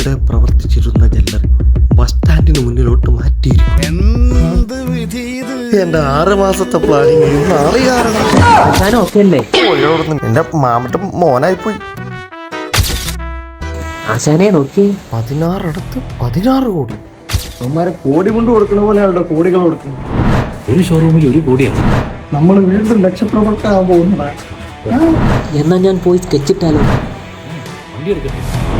ഇവിടെ പ്രവർത്തിച്ചിരുന്ന jeweller bus സ്റ്റാൻഡിന് മുന്നിലോട്ട് മാറ്റിയിരിക്കും. എന്റെ 6 മാസത്തെ പ്ലാനിങ് എന്റെ മാമന്റെ മോനായി പോയി. ആശാനെ നോക്കി 16 അടുത്ത് 16 കോടി. അവന്മാരെ കോടി കൊണ്ട് കൊടുക്കുന്ന പോലെയാണല്ലോ കോടികൾ കൊടുക്കുന്നത്. ഒരു ഷോറൂമിൽ 1 കോടിയാണ്. നമ്മൾ വീണ്ടും ലക്ഷപ്രവർത്തനാകാൻ പോകുന്നതാണ്. എന്നാ ഞാൻ പോയി സ്കെച്ചിട്ടാലോ? വണ്ടി എടുക്കട്ടെ.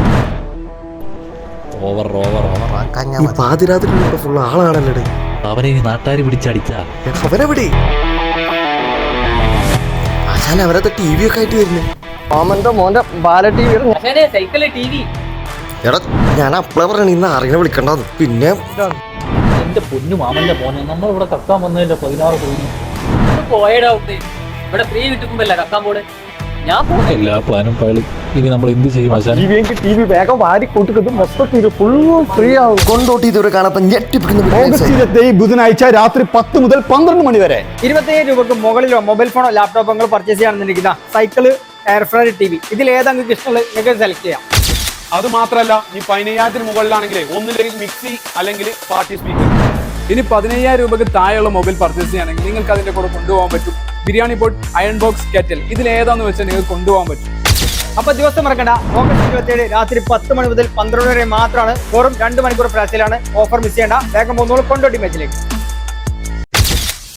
ഓവർ ഈ പാതിരാത്രി ഫുള്ള് ആളാണല്ലേ. അവനെ നാട്ടുകാർ പിടിച്ചടിച്ചാ അവരെവിടെ ആശാൻ അവരത്തെ TV ഒക്കെ ആയിട്ട് വരുന്നേ. മാമന്റെ മോന്റെ ബാല TV എടാ ഞാൻ അപ്പളെ പറയണ ഇന്ന് ആരെങ്കിലും വിളിക്കണ്ടെന്ന്. പിന്നെ എന്റെ പൊന്നു മാമന്റെ മോനെ നമ്മളിവിടെ കക്കാൻ വന്നതിന്റെ 16 കോടി പോയടാ ഇവിടെ ഫ്രീ കിട്ടുമ്പോല്ല കക്കാൻ പോടെ. ഞാൻ എല്ലാ പ്ലാനും പഴി. ഇനി നമ്മൾ എന്ത് ചെയ്യും ആശാൻ? TV വേഗം വാരി കൂട്ടുന്നത് മൊത്തത്തിൽ ഫുള്ളും ഫ്രീ ആവും. കൊണ്ടോട്ടി ഇതുവരെ കാണാത്ത ഞെട്ടിപ്പിക്കുന്ന ഓഗസ്റ്റ് 27 ബുധനാഴ്ച രാത്രി 10 മുതൽ 12 മണി വരെ 27 രൂപക്ക് മുകളിലോ മൊബൈൽ ഫോണോ ലാപ്ടോപ്പോ നിങ്ങൾ പർച്ചേസ് ചെയ്യാണെന്നുണ്ടെങ്കിൽ സൈക്കിള്, എയർ ഫ്രയർ, TV ഇതിൽ ഏതെങ്കിലും ഇഷ്ടമുള്ളത് നിങ്ങൾക്ക് സെലക്ട് ചെയ്യാം. അത് മാത്രമല്ല, ഈ 15,000 മുകളിലാണെങ്കിൽ ഒന്നില്ലെങ്കിൽ മിക്സി അല്ലെങ്കിൽ പാർട്ടി സ്പീക്കർ. ഇനി 15,000 രൂപക്ക് താഴെയുള്ള മൊബൈൽ പർച്ചേസ് ചെയ്യുകയാണെങ്കിൽ നിങ്ങൾക്ക് അതിന്റെ കൂടെ കൊണ്ടുപോകാൻ പറ്റും biryani pot, iron box, kettle. ഇതിൽ ഏതാന്ന് വെച്ചാൽ നിങ്ങൾക്ക് കൊണ്ടുപോകാൻ പറ്റും. അപ്പൊ ദിവസം മറക്കണ്ട, ഓഗസ്റ്റ് 27 രാത്രി 10 മണി മുതൽ 12 വരെ മാത്രമാണ്. വെറും 2 മണിക്കൂർ പ്രാസിലാണ്. ഓഫർ മിസ് ചെയ്യേണ്ട. വേഗം പോകുന്നോളൂ കൊണ്ടോട്ടി മാച്ചിലേക്ക്.